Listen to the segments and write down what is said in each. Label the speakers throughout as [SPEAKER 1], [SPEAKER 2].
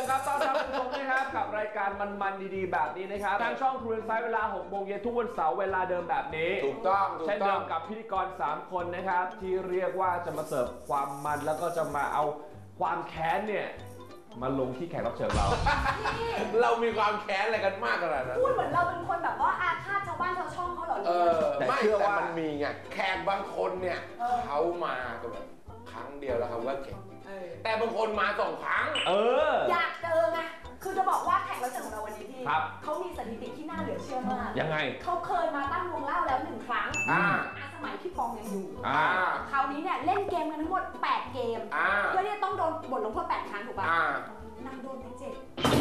[SPEAKER 1] ครับต้อนรับคุณผู้ชมนะครับกับรายการมันๆดีๆแบบนี้นะครับทางช่องทรูอินไซด์เวลา 6 โมงเย็นทุกวันเสาร์เวลาเดิมแบบนี้
[SPEAKER 2] ถูกต้อง
[SPEAKER 1] เช่นเดิมกับพิธีกร3คนนะครับที่เรียกว่าจะมาเสิร์ฟความมันแล้วก็จะมาเอาความแค้นเนี่ยมาลงที่แขกรับเชิญเรา
[SPEAKER 2] เรามีความแค้นอะไรกันมากขนาดนั้น
[SPEAKER 3] พูดเหมือนเราเป็นคนแบบว่าอาฆาตชาวบ้านชาวช่องเขาเหรอ
[SPEAKER 2] ไม่แต่มันมีไงแขกบางคนเนี่ยเขามาก็แบบครั้งเดียวแล้วเขาว่าเก่งแต่บางคนมา2 ครั้ง
[SPEAKER 3] อยากเจอไงคือจะบอกว่าแขกรับเชิญของเราวันนี้พี่เขามีสถิติที่น่าเหลือเชื่อมาก
[SPEAKER 1] ยังไง
[SPEAKER 3] เขาเคยมาตั้งวงเล่าแล้ว1 ครั้งสมัยพี่ปองยังอยู่คราวนี้เนี่ยเล่นเกมกันทั้งหมด8 เกมเพื่อที่จะต้องโดนบทลงโทษ8 ครั้งถูกป่ะนางโดนไป7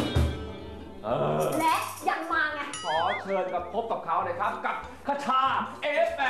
[SPEAKER 3] และยังมาไง
[SPEAKER 1] ขอเชิญกับพบกับเขาเลยครับกับคชาF8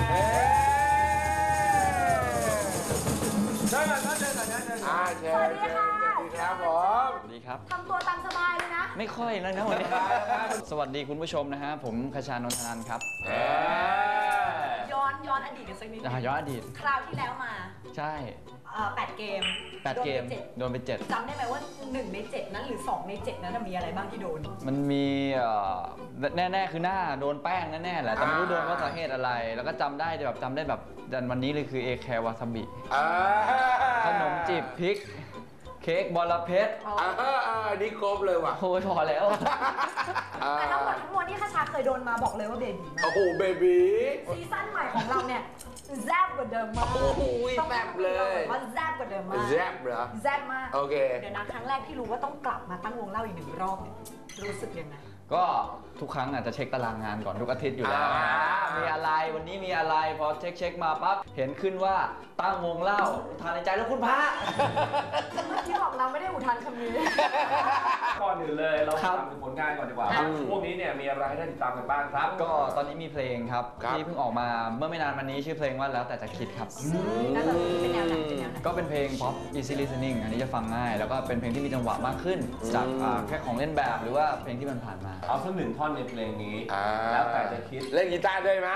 [SPEAKER 3] สวัสดีค่ะ
[SPEAKER 2] สวัสดีครับผม
[SPEAKER 4] สวัสดีครับ
[SPEAKER 3] ทำตัวตามสบายเลยนะ
[SPEAKER 4] ไม่ค่อยนะวันนี้สวัสดีคุณผู้ชมนะฮะผมคชานนทนันท์ครับ
[SPEAKER 3] ย้อนอดีตกันสักนิด
[SPEAKER 4] ย้อนอดีต
[SPEAKER 3] คราวที่แล้วมา
[SPEAKER 4] ใช่
[SPEAKER 3] 8 เกม
[SPEAKER 4] โดนไป7
[SPEAKER 3] จำได้ไหมว่า1 ใน 7นั้นหรือ2 ใน 7นั้นมีอะไรบ้างที่โดน
[SPEAKER 4] มันมีแน่ๆคือหน้าโดนแป้งแน่ๆแหละแต่ไม่รู้โดนว่าสาเหตุอะไรแล้วก็จำได้แบบวันนี้เลยคือเอแคร์วาซาบิขนมจีบพริกเค้กบอระเพ็ด
[SPEAKER 2] นี่ครบเลยว่ะ
[SPEAKER 4] โอ้ยพอแล้ว
[SPEAKER 3] แต่ทั้งหมดทั้งมวลที่คชาเคยโดนมาบอกเลยว่าเบบี
[SPEAKER 2] โอ้โหเบบี
[SPEAKER 3] ซีซั่นใหม่ของเราเนี่ยแซ่บกว่าเดิมมาก
[SPEAKER 2] โอ้โหแซ่บเลย
[SPEAKER 3] ว่าแซ่บกว่าเดิมมาก
[SPEAKER 2] แซ่บเหรอ
[SPEAKER 3] แซ่บมาก
[SPEAKER 2] โอเค
[SPEAKER 3] เดี๋ยวนะครั้งแรกที่รู้ว่าต้องกลับมาตั้งวงเล่าอีก1 รอบเนี่ยรู้สึกยังไง
[SPEAKER 4] ก็ทุกครั้งอาจจะเช็คตารางงานก่อนทุกอาทิตย์อยู่แล้วมีอะไรวันนี้มีอะไรพอเช็คมาปั๊บเห็นขึ้นว่าตั้งวงเล่าอุทานในใจแล้วคุณพระ
[SPEAKER 3] ที่บอกเราไม่ได้อุทานคำนี้
[SPEAKER 1] ก่อนอื่นเลยเราทำถึงผลงานก่อนดีกว่าพวกนี้เนี่ยมีอะไรให้ได้ติดตามกันบ้างครับ
[SPEAKER 4] ก็ตอนนี้มีเพลงครับที่เพิ่งออกมาเมื่อไม่นานมานี้ชื่อเพลงว่าแล้วแต่จะคิดครับ
[SPEAKER 3] เป็นแนวไหน
[SPEAKER 4] ก็เป็นเพลง pop easy listening อันนี้จะฟังง่ายแล้วก็เป็นเพลงที่มีจังหวะมากขึ้นจากแค่ของเล่นแบบหรือว่าเพลงที่มันผ่านมา
[SPEAKER 1] เอาสัก1 ท่อนในเพลงนี้แล้วแต่จะคิด
[SPEAKER 2] เล่นกีตาร์ด้วยไหม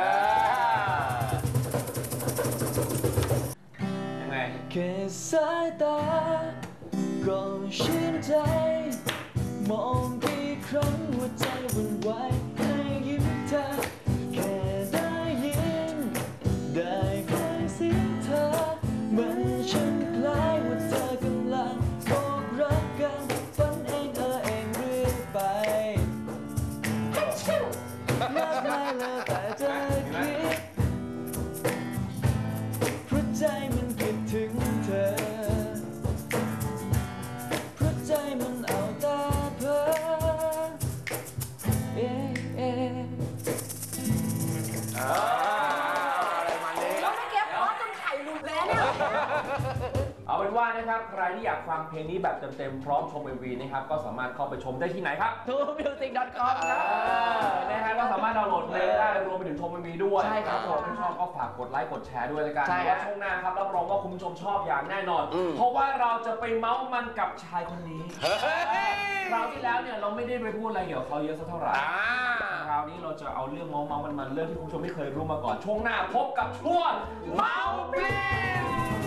[SPEAKER 1] ยังไง
[SPEAKER 4] แค่สายตาก็ชื่นใจมองกี่ครั้งหัวใจวุ่นวายให้ยิ้มเธอแค่ได้ยินได้ใกล้เสียงเธอเหมือนฉันคล้ายว่าเธอกำลังบอกรักกันฝันเองเองเรื่อยไปมากมายแล้วแต่จะคิดเพราะใจมันคิดถึงเธอเพราะใจมันเอาตาเพ้อ
[SPEAKER 2] อะไรมาเนี้ย
[SPEAKER 3] แล้วไม่เก็บเพราะจนไข่หลุดแล้วเนี่ย
[SPEAKER 1] เอาเป็นว่านะครับใครที่อยากฟังเพลงนี้แบบเต็มๆพร้อมชม MV นะครับก็สามารถเข้าไปชมได้ที่ไหนครับ
[SPEAKER 4] truemusic.com
[SPEAKER 1] นะฮะก็สามารถดาวน์โหลดเพลงได้รวมไปถึงชม MV ด้วย
[SPEAKER 4] ใช่ครับผม
[SPEAKER 1] ถ้าชอบก็ฝากกดไลค์กดแชร์ด้วยแล้วกัน
[SPEAKER 4] ใช่
[SPEAKER 1] ว่าช่วงหน้าครับรับรองว่าคุณผู้ชมชอบอย่างแน่นอนเพราะว่าเราจะไปเมาส์มันกับชายคนนี้คราวที่แล้วเนี่ยเราไม่ได้ไปพูดอะไรเกี่ยวกับเขาเยอะสักเท่าไหร่คราวนี้เราจะเอาเรื่องเมาส์มันเรื่องที่คุณผู้ชมไม่เคยรู้มาก่อนช่วงหน้าพบกับช่วงเมาส์ปลิ้น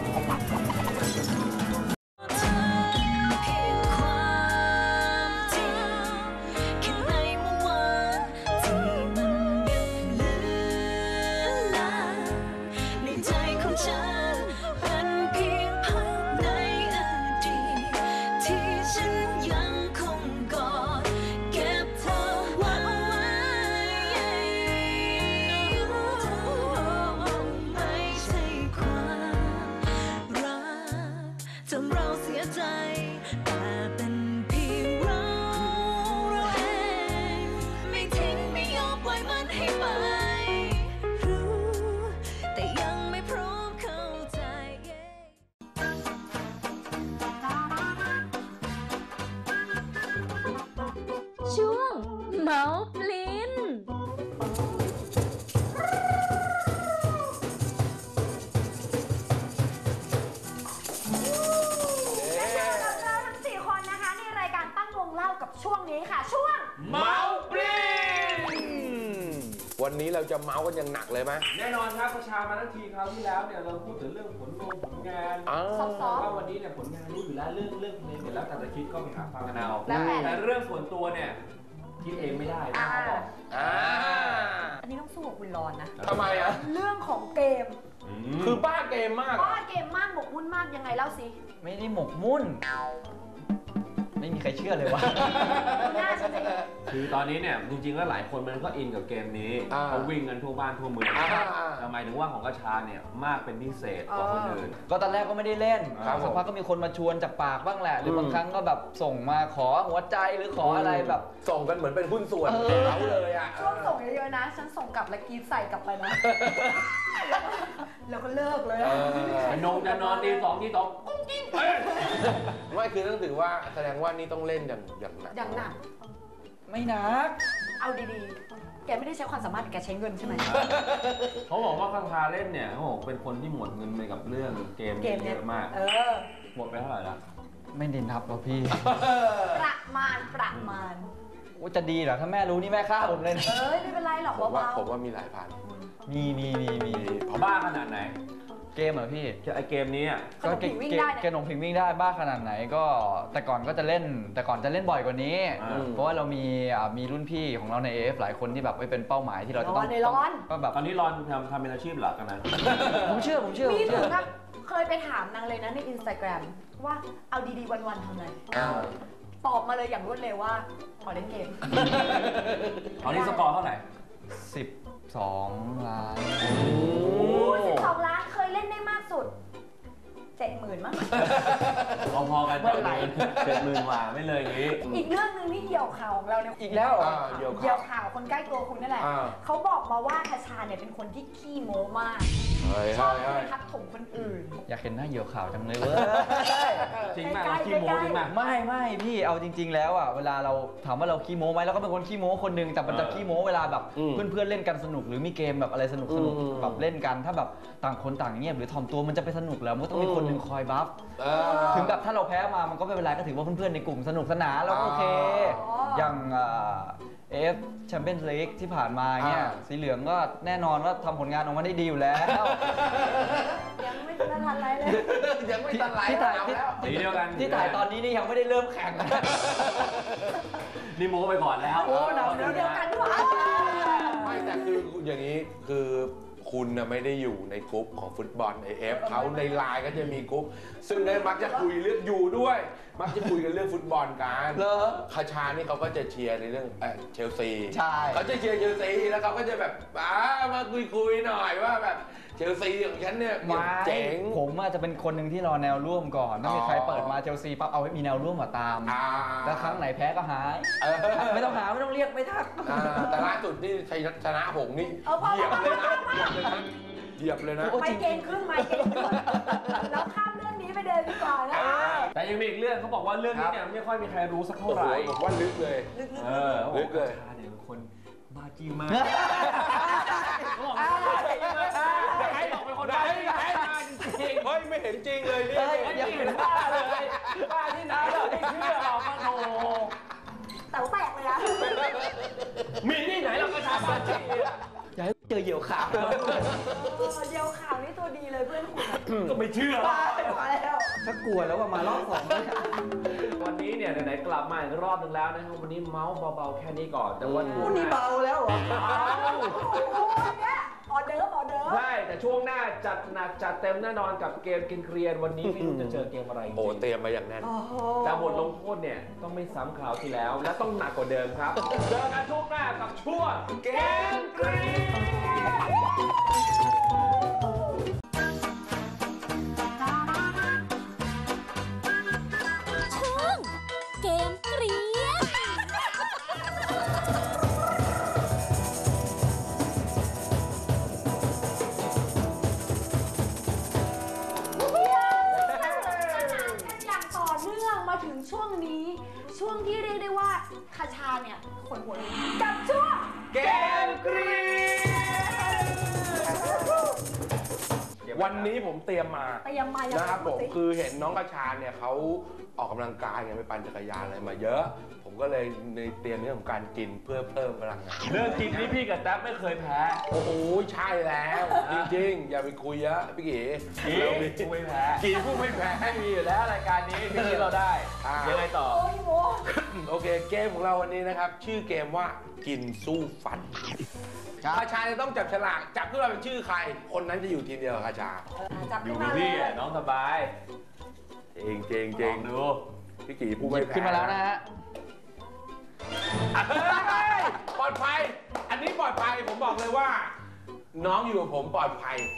[SPEAKER 5] ช่วงเมาส์ปลิ้น
[SPEAKER 3] ช่วงนี้ค่ะช่วง
[SPEAKER 1] เมาส์ปลิ้น
[SPEAKER 2] วันนี้เราจะเมาส์กันอย่างหนักเลยไหม
[SPEAKER 1] แน่นอนครับประชามาทั้งทีคราวที่แล้วเนี่ยเราพูดถึงเรื่องผลงานว่าวันนี้เนี่ยผลงานรู้อยู่แล้วเรื่องเพลงเนี่ยแล้วแต่จะคิดก็ไปหาฟังกันเอาแต่เรื่องส่วนตัวเนี่ยคิดเองไม่ได้นะเขาบอก
[SPEAKER 3] อันนี้ต้องสู้กับคุณรอนนะ
[SPEAKER 2] ทำไมอ่ะ
[SPEAKER 3] เรื่องของเกม
[SPEAKER 2] คือบ้าเกมมาก
[SPEAKER 3] บ้าเกมมากหมกมุ่นมากยังไงเล่าสิ
[SPEAKER 4] ไม่ได้หมกมุ่นไม่มีใครเชื่อเลยวะ
[SPEAKER 3] น่าจะจริง
[SPEAKER 1] คือตอนนี้เนี่ยจริงๆแล้วหลายคนมันก็อินกับเกมนี้เขาวิ่งกันทั่วบ้านทั่วเมืองแต่หมายถึงว่าของกระชาเนี่ยมากเป็นพิเศษกว่าคนอื่น
[SPEAKER 4] ก็ตอนแรกก็ไม่ได้เล่นสักพักก็มีคนมาชวนจากปากบ้างแหละหรือบางครั้งก็แบบส่งมาขอหัวใจหรือขออะไรแบบ
[SPEAKER 2] ส่งกันเหมือนเป็นหุ้นส่วนเขาเลยอ่ะ
[SPEAKER 3] ช่วงส่งเยอะๆนะฉันส่งกลับแล้วกีบใส่กลับไปนะแล้วก็เลิกเลย
[SPEAKER 1] จะนอนตี 2ตี 2กุ้งกิ้ง
[SPEAKER 2] ไม่คือต้องถือว่าแสดงว่านี่ต้องเล่นอย่างหนัก
[SPEAKER 3] อย่างหนัก
[SPEAKER 4] ไม่หนัก
[SPEAKER 3] เอาดีๆแกไม่ได้ใช้ความสามารถแกใช้เงินใช่ไหม
[SPEAKER 1] เขาบอกว่าคาถาเล่นเนี่ยเขาบอกเป็นคนที่หมดเงินไปกับเรื่องเกมเยอะมากหมดไปเท่าไหร่ละ
[SPEAKER 4] ไม่ได้นับหรอกพี่
[SPEAKER 3] ประมาณ
[SPEAKER 4] ว่าจะดีเหรอถ้าแม่รู้นี่แม่ฆ่าผมเลย
[SPEAKER 3] ไม่เป็นไรหรอก
[SPEAKER 2] ผมว่ามีหลายพัน
[SPEAKER 4] มี
[SPEAKER 1] บ้าขนาดไหน
[SPEAKER 4] เกมเหรอพี่
[SPEAKER 1] ไอเกมนี้
[SPEAKER 3] ก็เกม
[SPEAKER 4] วิ่งได้บ้าขนาดไหนก็แต่ก่อนจะเล่นบ่อยกว่านี้เพราะว่าเรามีรุ่นพี่ของเราใน AF หลายคนที่แบบเป็นเป้าหมายที่เราจะต้อง
[SPEAKER 1] ก็แบบตอนนี้รอนทำเป็นอาชีพหลักกันนะ
[SPEAKER 4] ผมเชื่อ
[SPEAKER 3] มีถึงกับเคยไปถามนางเลยนะใน Instagram ว่าเอาดีๆวันๆทำอะไรตอบมาเลยอย่างรวดเร็วว่าขอเล่นเกม
[SPEAKER 1] ตอนนี้สกอร์เท่าไหร่
[SPEAKER 4] 12 ล้าน
[SPEAKER 3] 12 ล้านเคยเล่นได้มากสุด 70,000 มั้ง
[SPEAKER 1] พอกัน70,000 กว่าไม่เลยนี้
[SPEAKER 3] อีกเรื่องนึงที่เหี่ยวข่าวของเราเนี่ย
[SPEAKER 4] อีกแล้ว
[SPEAKER 3] เหี่ยวข่าวคนใกล้ตัวคุณนั่นแหละเขาบอกมาว่าคชาเนี่ยเป็นคนที่ขี้โม้มากชอบไปทักถมคนอื่น
[SPEAKER 4] อยากเห็นหน้าเหี่ยวข่าวจังเลยเว้ย
[SPEAKER 1] จริงมากขี้โม้จริงมาก
[SPEAKER 4] ไม่พี่เอาจริงๆแล้วอ่ะเวลาเราถามว่าเราขี้โม้ไหมเราก็เป็นคนขี้โม้คนนึงแต่มันจะขี้โม้เวลาแบบเพื่อนๆเล่นกันสนุกหรือมีเกมแบบอะไรสนุกแบบเล่นกันถ้าแบบต่างคนต่างเงียบหรือถ่อมตัวมันจะไปสนุกแล้วมันต้องมีคนนึงคอยบัฟถึงแบบถ้าเราแพ้มามันก็ไม่เป็นไรก็ถือว่าเพื่อนๆในกลุ่มสนุกสนานแล้วโอเคอย่างAF Champions League ที่ผ่านมาเนี่ยสีเหลืองก็แน่นอนว่าทำผลงานออกมาได้ดีอยู่แล้ว
[SPEAKER 3] ยังไม่ทันไรเลย
[SPEAKER 2] ยังไม่ทันไร
[SPEAKER 1] ที่
[SPEAKER 4] ถ่ายตอนนี้นี่ยังไม่ได้เริ่มแข่ง
[SPEAKER 1] นี่โม้ไปก่อนแล้ว
[SPEAKER 3] โอ้หนาวเดียวกันด้วย
[SPEAKER 2] ไม่แต่คืออย่างนี้คือคุณนะไม่ได้อยู่ในกลุ่มของฟุตบอล AF เขาในไลน์ก็จะมีกลุ่มซึ่งได้มักจะคุยเรื่องอยู่ด้วยมักจะคุยกันเรื่องฟุตบอลกันคาชานี่เขาก็จะเชียร์ในเรื่องเชลซี
[SPEAKER 4] ใช่
[SPEAKER 2] เขาจะเชียร์เชลซีแล้วเขาก็จะแบบมาคุยหน่อยว่าแบบเชลซีของฉันเนี่ยเจ๋ง
[SPEAKER 4] ผมอาจจะเป็นคนหนึ่งที่รอแนวร่วมก่อนถ้ามีใครเปิดมาเชลซีปั๊บเอาไว้มีแนวร่วมมาตามแล้วครั้งไหนแพ้ก็หายไม่ต้องหาไม่ต้องเรียกไม่ทัก
[SPEAKER 2] แต่ล่าสุดนี่ชนะหงนี่เหยียบเลยนะเหยียบเลยนะ
[SPEAKER 3] ไม่เก่งขึ้นแล้วข้ามเรื่องนี้ไปเดินดีกว่านะ
[SPEAKER 1] แต่ยังมีอีกเรื่องเขาบอกว่าเรื่องนี้เนี่ยไม่ค่อยมีใครรู้สักเท่าไหร่
[SPEAKER 2] ผมว่าลึกเลย
[SPEAKER 1] ลึกเลยเนี่ยเป็นคนบ้าจี้มากใครบอกเป็นคนบ้าจี้จริง
[SPEAKER 2] เฮ้ยไม่เห็นจริงเลยนี่
[SPEAKER 1] ยังเห็นบ้าเลยบ้าที่ไหนเราไม่เชื่อเราก็โธ่
[SPEAKER 3] แต่แปลกเลยนะ
[SPEAKER 1] มีที่ไหนเราก็ทำบ้าจี้
[SPEAKER 4] อย่าให้เจอเหยี่ยวข่าว
[SPEAKER 3] เหยี่ยวข่าวนี่ตัวดีเลยเพื่อนคุณ
[SPEAKER 1] ก็ไม่เชื่อ
[SPEAKER 3] มาแล้ว
[SPEAKER 4] ถ้ากลัวแล้วว่ามารอบ2
[SPEAKER 1] วันนี้เนี่ยไหนๆกลับมาอีกรอบนึงแล้วนะครับวันนี้เมาส์เบาๆแค่นี้ก่อนแต่วัน
[SPEAKER 4] นี้เบาแล้วเหรอ
[SPEAKER 3] ออเดิร์ฟ
[SPEAKER 1] ใช่แต่ช่วงหน้าจัดหนักจัดเต็มแน่นอนกับเกมกินเกรียนวันนี้ไม่รู้จะเจอเกมอะไร
[SPEAKER 2] โอ้เตรียมมาอย่างแน่น
[SPEAKER 1] แต่บทลงโทษเนี่ยต้องไม่ซ้ำคราวที่แล้วและต้องหนักกว่าเดิมครับเจอกันช่วงหน้ากับช่วงเกมเกรียน
[SPEAKER 3] ช่วงที่เรียกได้ว่าคาชาเนี่ยขนหัวกับช่วง
[SPEAKER 1] เกมเกรียนเดี๋ยว
[SPEAKER 2] วันนี้ผมเตรียมมา
[SPEAKER 3] ยังไง
[SPEAKER 2] นะครับผมคือเห็นน้องกระชาเนี่ยเขาออกกำลังกายไงไปปั่นจักรยานอะไรมาเยอะ ผมก็เลยในเตรียมเรื่องของการกินเพื่อเพิ่มพลังงาน
[SPEAKER 1] เรื่องกินนี่พี่กับแท็บไม่เคยแพ้
[SPEAKER 2] โอ้โหใช่แล้ว จริงๆ อย่าไปคุยเยอะพี่กี
[SPEAKER 1] เราผู้ไม่แพ้
[SPEAKER 2] กีผู้ไม่แพ้
[SPEAKER 1] มีอยู่แล้วรายการนี้พี่คิดเราได้ยังไงต่อ
[SPEAKER 3] โอ้ยโม
[SPEAKER 2] โอเคเกมของเราวันนี้นะครับ ชื่อเกมว่ากินสู้ฟันกระชาจะต้องจับฉลากจับขึ้นมาเป็นชื่อใคร คนนั้นจะอยู่ทีมเดียวกับกระชา
[SPEAKER 3] จับ
[SPEAKER 1] อยู่
[SPEAKER 3] ขึ้น
[SPEAKER 1] กับ
[SPEAKER 3] มาเล
[SPEAKER 1] พี่
[SPEAKER 3] ย
[SPEAKER 1] น้องสบาย
[SPEAKER 2] เจงเจงเจ
[SPEAKER 1] ลอง งดู
[SPEAKER 2] พี่กีผู้ไม่แพ้
[SPEAKER 4] ขึ้นมาแล้วนะฮะ
[SPEAKER 2] เฮ้ยปลอดภัย อันนี้ปลอดภัยผมบอกเลยว่า น้องอยู่กับผมปลอดภัย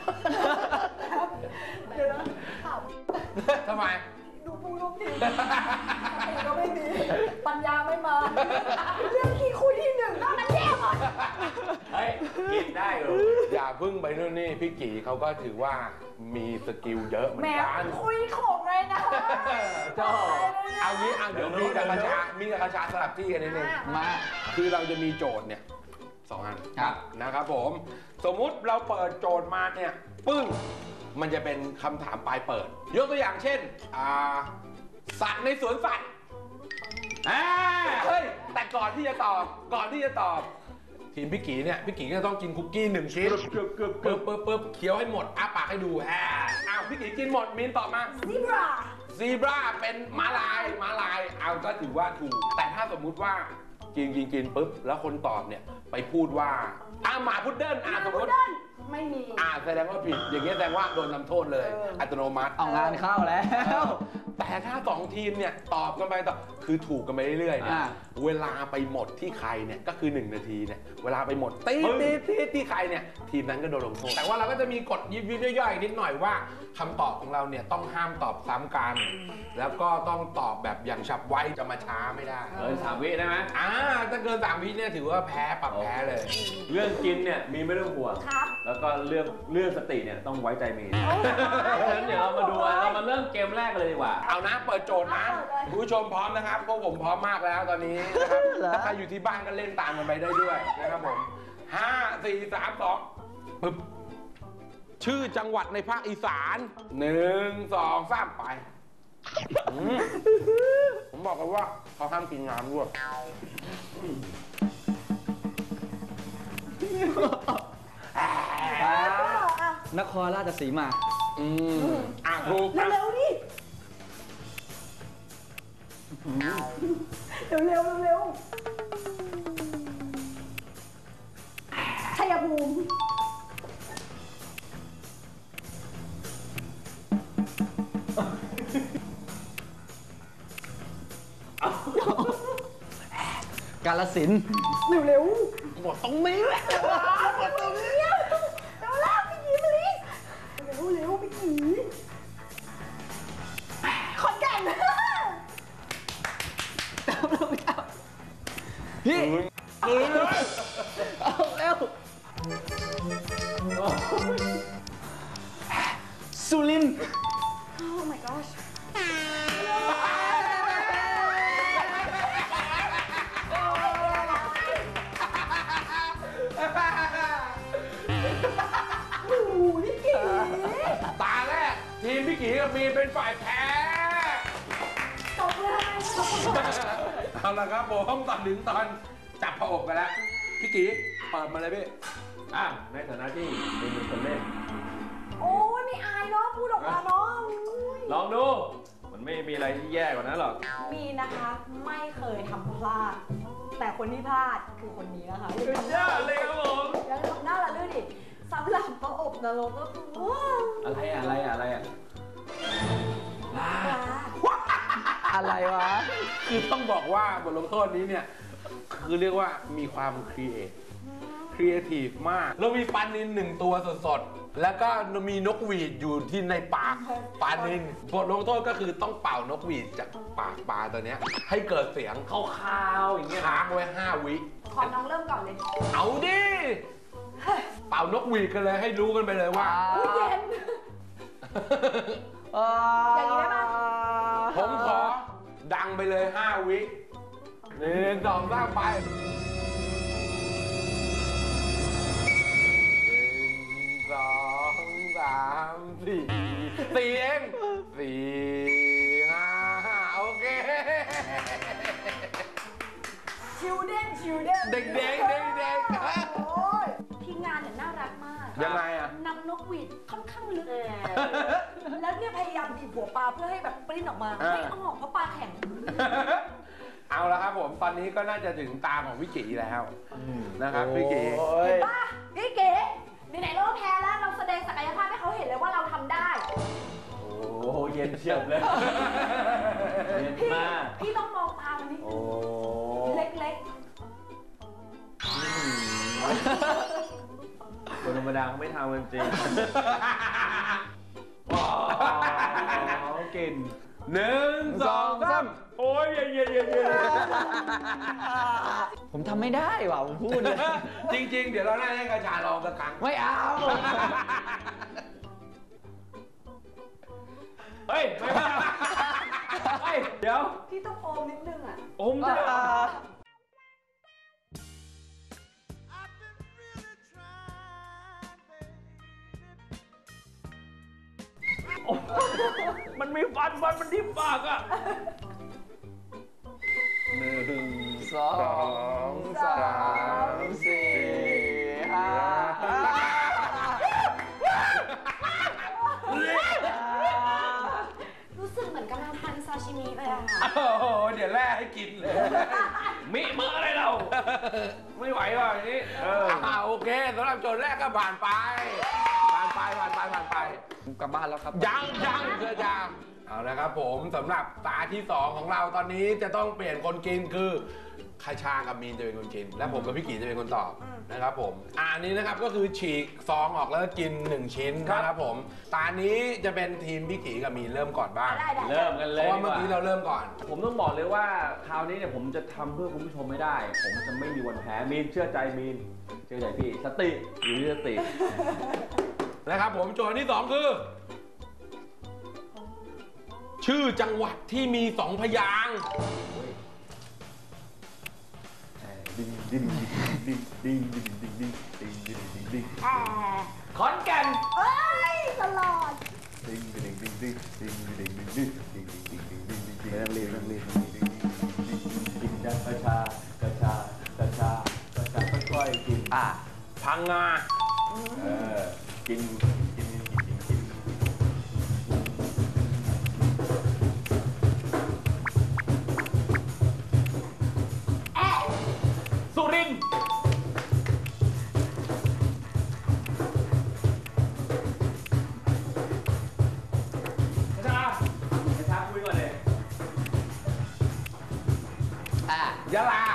[SPEAKER 3] เดี๋ยวนะข่าว
[SPEAKER 2] ทำไม
[SPEAKER 3] ดูปูรูปดีสติก็ไม่มีปัญญาไม่มา เรื่องที่คุยที่หนึ่งนอกนั้นแย่หมด
[SPEAKER 1] เฮ้ยกินได้เหรอ
[SPEAKER 2] อย่าพึ่งไปนู่นนี่พี่กีเขาก็ถือว่ามีสกิลเยอะเหมือ
[SPEAKER 3] แหม
[SPEAKER 2] นกัน
[SPEAKER 3] คุยของเลยนะ
[SPEAKER 1] เจ้า
[SPEAKER 2] เอางี้เดี๋ยวมีกับกระชามีกับกระชาสลับที่กันนิดนึง
[SPEAKER 4] มา
[SPEAKER 2] คือเราจะมีโจทย์เนี่ย2 อัน
[SPEAKER 4] ครับ
[SPEAKER 2] นะครับผม สมมุติเราเปิดโจทย์มาเนี่ยปึ้งมันจะเป็นคำถามปลายเปิด ยกตัวอย่างเช่นสัตว์ในสวนสัตว์เฮ้ยแต่ก่อนที่จะตอบทีมพี่กีเนี่ยพี่กีก็ต้องกินคุกกี้1 ชิ้นปึ๊บเคี้ยวให้หมดอ้าปากให้ดูอ้าวพี่กีกินหมดมินตอบมา
[SPEAKER 3] ซิบรา
[SPEAKER 2] ซีบราเป็นม้าลายเอาก็ถือว่าถูก แต่ถ้าสมมุติว่ากินปุ๊บแล้วคนตอบเนี่ยไปพูดว่าหมาพุดเดิ้ลสมมติ
[SPEAKER 3] ไม่มี
[SPEAKER 2] แสดงว่าผิดอย่างเงี้ยแสดงว่าโดนทำโทษเลย อัตโนมัติ
[SPEAKER 4] เอางานเข้าแล้ว
[SPEAKER 2] แต่ถ้า2 ทีมเนี่ยตอบกันไปต่อคือถูกกันไปเรื่อยๆเนี่ยเวลาไปหมดที่ใครเนี่ยก็คือ1 นาทีเนี่ยเวลาไปหมดตีที่ใครเนี่ยทีมนั้นก็โดนลงโทษแต่ว่าเราก็จะมีกฎยิบย่อยๆนิดหน่อยว่าคำตอบของเราเนี่ยต้องห้ามตอบซ้ำกัน แล้วก็ต้องตอบแบบอย่างฉับไวจะมาช้าไม่ได้
[SPEAKER 1] 3 วิได้ไหม
[SPEAKER 2] ถ้าเกิน3 วิเนี่ยถือว่าแพ้ปรับแพ้เลย
[SPEAKER 1] เรื่องกินเนี่ยมีไม่ต้องห่วง
[SPEAKER 3] ครับ
[SPEAKER 1] แล้วก็เรื่องสติเนี่ยต้องไว้ใจมีงั้นเดี๋ยวเรามาดูเรามาเริ่มเกมแรกกันเลยดีกว่า
[SPEAKER 2] เอานะเปิดโจทย์นะคุณผู้ชมพร้อมนะครับพวกผมพร้อมมากแล้วตอนนี้นะครับถ้าใครอยู่ที่บ้านก็เล่นตามกันไปได้ด้วยนะครับผม5 4 3 2ปึ๊บชื่อจังหวัดในภาคอีสาน1 2 3ไปผมบอกกันว่าเขาห้ามกินน้ำด้วย
[SPEAKER 4] นครราชสีมา
[SPEAKER 2] ถูก
[SPEAKER 3] เร็วๆดิเร็วชัยภูมิ
[SPEAKER 4] กาฬสินธุ์
[SPEAKER 3] เร็ว
[SPEAKER 2] หมดตรงนี้แหละ
[SPEAKER 3] ๆเร็วๆพี่กีมาลิเร็วพี่กีขอนแก่น
[SPEAKER 4] พี่
[SPEAKER 2] เลย
[SPEAKER 4] เอาเร็วสุรินทร์
[SPEAKER 3] โอ้ my gosh โอ้โหพี่กี
[SPEAKER 2] ตาแรกทีมพี่กีกับมีนเป็นฝ่ายแพ้
[SPEAKER 3] ตกเลย
[SPEAKER 2] เอาละครับผมตอนถึงตอนจับผอกไปแล้วพี่กีเปิดมาเลยพี่
[SPEAKER 1] ในฐานะที่เป็นคนเล่น
[SPEAKER 3] โอ้ยไม่อายเนาะพูดออกมาเนาะ
[SPEAKER 1] ลองดู มันไม่มีอะไรที่แย่กว่านั้นหรอก
[SPEAKER 3] มีนะคะไม่เคยทำพลาด แต่คนที่พลาดคือคนนี้นะคะ
[SPEAKER 1] สุดยอดเลยครับผม
[SPEAKER 3] ยังทำหน้าละด้วยดิสำหรับประอบนรกก็คือว้าว
[SPEAKER 1] อะไรอะ
[SPEAKER 4] อะไรวะ
[SPEAKER 2] คือต้องบอกว่าบทลงโทษนี้เนี่ยคือเรียกว่ามีความครีเอทีฟมาก เรามีปลานิล1 ตัวสดๆแล้วก็มีนกหวีดอยู่ที่ในปากปลานิลบทลงโทษก็คือต้องเป่านกหวีดจากปากปลาตัวเนี้ยให้เกิดเสียง
[SPEAKER 1] คาวๆอย่างเงี้ย
[SPEAKER 2] ค้างไว้5 วิ
[SPEAKER 3] ขอน้องเริ่มก่อนเลย
[SPEAKER 2] เอาดิเป่านกหวีดกันเลยให้รู้กันไปเลยว่า
[SPEAKER 3] อุ้ยเย็น อย่างนี้ได้ปะ
[SPEAKER 2] ผมขอดังไปเลย5 วิ1 2 3ไป1 2 3 3 4 4เอง4 5 โอเค
[SPEAKER 3] ชิลเด้น
[SPEAKER 2] เด็ก
[SPEAKER 3] โอ้ยทีมงานเนี่ยน่ารักมาก
[SPEAKER 2] ยังไงอ่ะ
[SPEAKER 3] นำนกหวีดค่อนข้างลึกแล้วเนี่ยพยายามบีบหัวปลาเพื่อให้แบบปริ้นออกมาไม่ออกเพราะปลาแข็ง
[SPEAKER 2] เอาละครับผมตอนนี้ก็น่าจะถึงตาของพี่กีแล้วนะครับพี่กี
[SPEAKER 3] เห็นป่ะพี่เก๋ไหนๆเราแพ้แล้วเราแสดงศักยภาพให้เขาเห็นเลยว่าเราทำได้
[SPEAKER 1] โอ้เย็นเฉียบเลยเย็นมาก
[SPEAKER 3] พี่ต้องมองตามันนิดนึงเล็ก
[SPEAKER 1] คนธรรมดาเขาไม่ทำกันจริงว้าวกิน
[SPEAKER 2] 1 2 3
[SPEAKER 1] โอ้ยเย็น
[SPEAKER 4] ผมทำไม่ได้ว่ะผมพูดเลย
[SPEAKER 2] จริงๆเดี๋ยวเราได้ให้กระชาลองสักครั้ง
[SPEAKER 4] ไม่เอา
[SPEAKER 1] เฮ้ยไม่มาเฮ้ยเดี๋ยว
[SPEAKER 3] พี่ต้องโอมนิดนึงอ่ะ
[SPEAKER 1] อมจะมันมีฟันมันทิ่มปากอ่ะ
[SPEAKER 2] 1 2 3 4
[SPEAKER 3] รู้สึกเหมือนกำลังทานซาชิมิเลยอ่ะ
[SPEAKER 2] โอ้โหเดี๋ยวแร่ให้กินเลย
[SPEAKER 1] มิเมื่ออะไรเราไม่ไหวว่ะอย่างนี้
[SPEAKER 2] โอเคสำหรับโจทย์แรกก็ผ่านไป
[SPEAKER 4] กลับบ้านแล้วครับ
[SPEAKER 2] ยังเพื่อจะเอาละครับผมสำหรับตาที่ 2 ของเราตอนนี้จะต้องเปลี่ยนคนกินคือคาชากับมีนจะเป็นคนกิน และผมกับพี่กีจะเป็นคนตอบนะครับผมอันนี้นะครับก็คือฉีกซองออกแล้วกิน1ชิ้นนะครับผมตานี้จะเป็นทีมพี่กีกับมีนเริ่มก่อนบ้าง
[SPEAKER 1] เริ่มกันเลย
[SPEAKER 2] เพราะว่าเมื่อกี้เราเริ่มก่อน
[SPEAKER 1] ผมต้องบอกเลยว่าคราวนี้เนี่ยผมจะทำเพื่อคุณผู้ชมไม่ได้ผมจะไม่มีวันแพ้มีนเชื่อใจมีนเชื่อใจพี่สติอยู่ที่สติ
[SPEAKER 2] นะครับผมโจทย์ที่ 2 คือชื่อจังหวัดที่มี2 พยางค์
[SPEAKER 1] ขอนแก่น
[SPEAKER 3] เอ้ยตลอด
[SPEAKER 1] นักเรียนกินกระชาค่อยๆกิน
[SPEAKER 2] พังงา
[SPEAKER 1] กินสุรินทร์กระชาคุยก่อนเลย
[SPEAKER 2] ยะลา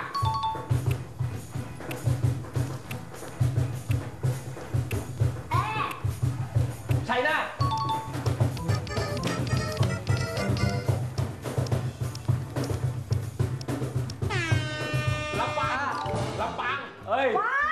[SPEAKER 1] ชัยนาทลำปางเฮ้ย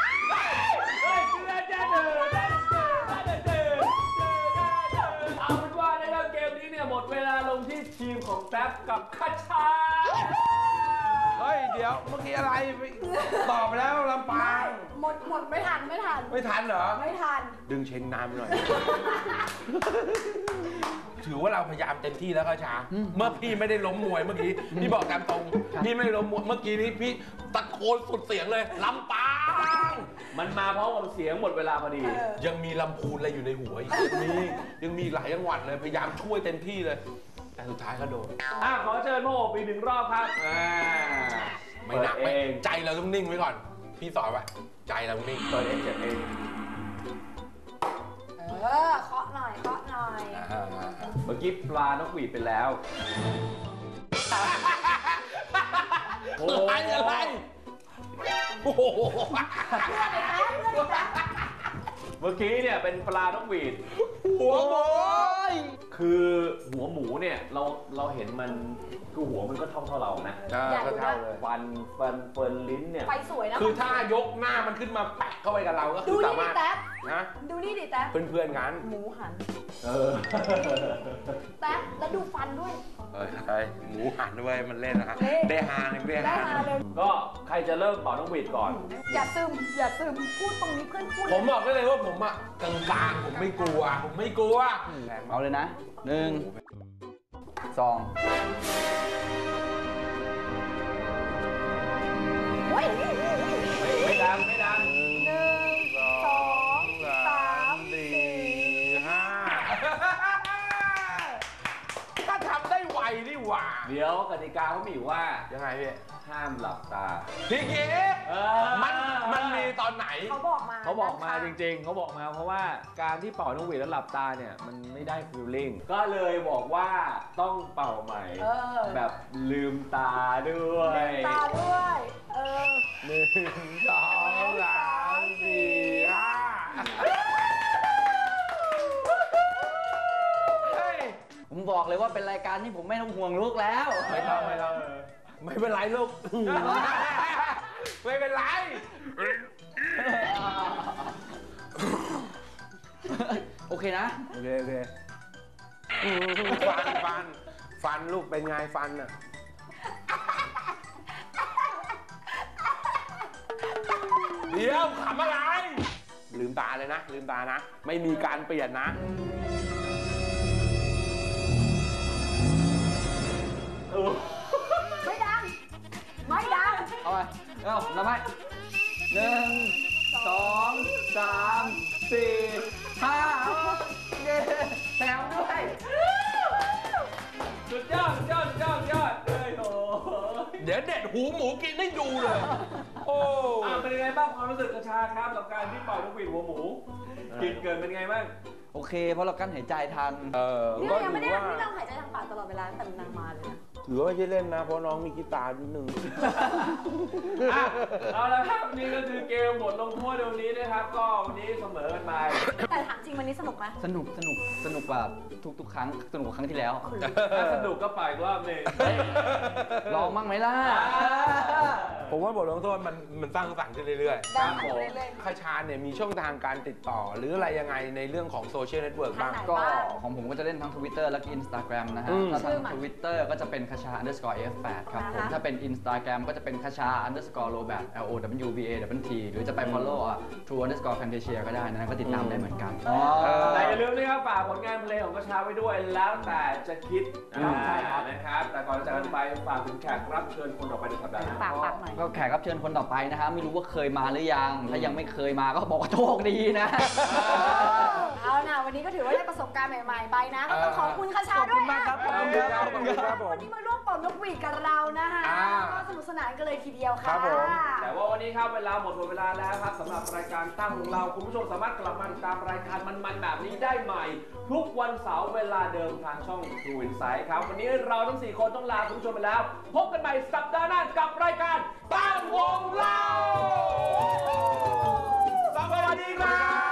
[SPEAKER 1] เอาเป็นว่านะครับเกมนี้เนี่ยหมดเวลาลงที่ทีมของแป๊บกับคาชา
[SPEAKER 2] เฮ้ยเดี๋ยวเมื่อกี้อะไรตอบไปแล้วลำปาง
[SPEAKER 3] หมดไม่ทัน
[SPEAKER 2] ไม่ทันเหรอ
[SPEAKER 3] ไม่ทัน
[SPEAKER 2] ดึงเชงน้ำหน่อยถือว่าเราพยายามเต็มที่แล้วก็ช้าเมื่อพี่ไม่ได้ล้มมวยเมื่อกี้พี่บอกตามตรงพี่ไม่ได้ล้มมวยเมื่อกี้นี้พี่ตะโกนสุดเสียงเลยลำปาง
[SPEAKER 1] มันมาเพราะกับเสียงหมดเวลาพอดี
[SPEAKER 2] ยังมีลำพูนอะไรอยู่ในหัวอีกยังมีหลายจังหวัดเลยพยายามช่วยเต็มที่เลยแต่สุดท้ายก็โดน
[SPEAKER 1] ขอเชิญโม่ปี1 รอบครับ
[SPEAKER 2] ไม่หนักไม่ใจเราต้องนิ่งไว้ก่อนพี่สอนไว้ใจเราต้องนิ่ง
[SPEAKER 1] เปิดเองเจ็บเอง
[SPEAKER 3] เคาะหน่อย
[SPEAKER 1] เมื่อกี้ปลานกหวีดไปแล้ว
[SPEAKER 2] อะไรโอ้โห
[SPEAKER 1] เมื่อกี้เนี่ยเป็นปลานกหวีด
[SPEAKER 2] หัวหมู
[SPEAKER 1] คือหัวหมูเนี่ยเราเห็นมันคือหัวมันก็เท่าเรานะ
[SPEAKER 2] ก็เท่าเลย
[SPEAKER 1] ฟันเฟิร์นลิ้นเนี่ย
[SPEAKER 3] ไปสวยนะ
[SPEAKER 2] คือถ้ายกหน้ามันขึ้นมาแปะเข้าไปกับเราก็คือสามารถนะ
[SPEAKER 3] ดูนี่ดิแต๊บ
[SPEAKER 2] เพื่อนๆกัน
[SPEAKER 3] หมูหันแต๊บแล้วดูฟันด้วย
[SPEAKER 2] หมูหันด้วยมันเล่นนะฮะ
[SPEAKER 3] เละ
[SPEAKER 2] ได้ฮาหนึ่งได้
[SPEAKER 3] ได้
[SPEAKER 2] ฮา
[SPEAKER 3] มาเลย
[SPEAKER 1] ก็ใครจะเริ่มเป่านกหวีดก่อน
[SPEAKER 3] อย่าซึมพูดตรงนี้เพื่อนพูด
[SPEAKER 2] ผมบอกได้เลยว่าผมอะกลางๆผมไม่กลัวแรง
[SPEAKER 4] เอาเลยนะ1 2
[SPEAKER 3] เฮ้ย
[SPEAKER 1] ไม่ดังไม่ดัง
[SPEAKER 3] 1 2 3 4
[SPEAKER 2] ถ้าทำได้ไวนี่หว่า
[SPEAKER 1] เดี๋ยวกติกาเขามีอยู่ว่า
[SPEAKER 2] ยังไงพี่
[SPEAKER 1] ห้ามหลับตา
[SPEAKER 2] พี่เก๋มันมีตอนไหน
[SPEAKER 3] เขาบอกมา
[SPEAKER 1] เขาบอกมาจริงๆ เขาบอกมาเพราะว่าการที่เป่านกหวีดแล้วหลับตาเนี่ยมันไม่ได้ฟีลลิ่ง ก็เลยบอกว่าต้องเป่าใหม่ แบบลืมตาด้วย
[SPEAKER 3] ตาด้วย
[SPEAKER 2] 1 2 3 4 5
[SPEAKER 4] ผมบอกเลยว่าเป็นรายการที่ผมไม่ต้องห่วงลูกแล้ว
[SPEAKER 2] ไม่ต้องไม่เป็นไรลูก ไม่เป็นไร
[SPEAKER 4] โอเคนะ
[SPEAKER 1] โอเคโอเค
[SPEAKER 2] ฟันลูกเป็นไงฟันอ่ะ เดี๋ยวขำอะไร ลืมตาเลยนะ ลืมตานะ ไม่มีการเปลี่ยนนะ
[SPEAKER 3] ไม่ดัง ไม่ดัง
[SPEAKER 4] เอาไปเอานับไป1 2 3 4 5เย้แถมด้วย
[SPEAKER 1] สุดยอดสุดยอดสุดยอดสุดยอดเลยโอ้
[SPEAKER 2] เดี๋ยวเด็ดหูหมูกินให้ดูเลย โอ้
[SPEAKER 1] เป็นยังไงบ้างความรู้สึกกระชาครับกับการที่เป่านกหวีดหัวหมูกินเกินเป็นไงบ้าง
[SPEAKER 4] โอเค เพราะเรากั้นหายใจทัน
[SPEAKER 3] นี่
[SPEAKER 2] ก็
[SPEAKER 3] เรายังไม่
[SPEAKER 2] ถื
[SPEAKER 3] ได้
[SPEAKER 2] อว่า
[SPEAKER 3] นี่เราหายใจทางปากตลอดเวลาแต่นางมาเลยนะ
[SPEAKER 2] ถือว่าไม่ใช่เล่นนะ เพราะน้องมีกีตาร์นิดนึง
[SPEAKER 1] เอาละครับนี่ก็คือเกมบทลงโทษในวันนี้นะครับ ก็วันนี้เสมอกันไป
[SPEAKER 3] แต่ถามจริงวันนี้สนุกไหม
[SPEAKER 4] สนุกกว่าทุกๆครั้ง สนุกกว่าครั้งที่แล้ว
[SPEAKER 1] ถ้าสนุกก็ไปอีกรอบหนึง
[SPEAKER 4] ลองมั่งไหมล่ะ
[SPEAKER 2] ผมว่าบทลงโทษมันสร้างสรรค์ขึ้นเรื่อย
[SPEAKER 3] ได้หายไปเรื่อย
[SPEAKER 2] ๆคาชาเนี่ยมีช่องทางการติดต่อ หรืออะไรยังไงในเรื่องของโซเชียลเน็ตเวิร์กบ้าง
[SPEAKER 3] ทางไหน
[SPEAKER 4] ก็ของผมก็จะเล่นทั้ง Twitter และก็ Instagram นะฮะ ถ้า
[SPEAKER 3] ชื่
[SPEAKER 4] ทา
[SPEAKER 3] อง มัน
[SPEAKER 4] Twitter ก็จะเป็นคชา _f8 ครับผม
[SPEAKER 3] อ่าฮะ
[SPEAKER 4] ถ้าเป็น Instagram ก็จะเป็นคชา _robat LOWBAWT หรือจะไป follow true _fantasia ก็ได้นะก็ติดตามได้เหมือนกัน
[SPEAKER 1] แต่อย่าลืมนะครับฝากผลงานเพลงของกระชาไว้ด้วยแล้วแต่จะคิด
[SPEAKER 3] ใช่ครับ
[SPEAKER 1] นะครับ แต่ก่อนจะจากกันไปฝากถึงแขกรับเชิญคนต่อไปในสัปดาห์หน้า
[SPEAKER 3] ปากหน่อย
[SPEAKER 4] ก็แขกรับเชิญคนต่อไปนะฮะไม่รู้ว่าเคยมาหรือยัง ถ้ายังไม่เคยมาก็บอกว่าโชคดีนะ
[SPEAKER 3] เอานะวันนี้ก็ถือว่าได้ประสบการณ์ใหม่ๆไปนะก็ต้องขอบคุณคาชาด้วย
[SPEAKER 4] ขอบคุณมากครับขอบคุณครับ
[SPEAKER 2] ขอบคุณครับผม
[SPEAKER 3] วันนี้มาร่วมเป่านกหวีดกับเรานะคะก็สนุกสนานกันเลยทีเดียว
[SPEAKER 2] ครั
[SPEAKER 3] ค่ะ
[SPEAKER 2] บผม
[SPEAKER 1] แต่ว่าวันนี้ครับเวลาหมดเวลาแล้วครับสำหรับรายการตั้งของเราคุณผู้ชมสามารถกลับมาติดตามรายการมันๆแบบนี้ได้ใหม่ ทุกวันเสาร์เวลาเดิมทางช่อง True Insight ครับวันนี้เราทั้ง 4 คนต้องลาคุณผู้ชมไปแล้ว พบกันใหม่สัปดาห์หน้ากับรายการตั้งวงเล่าสวัสดีครับ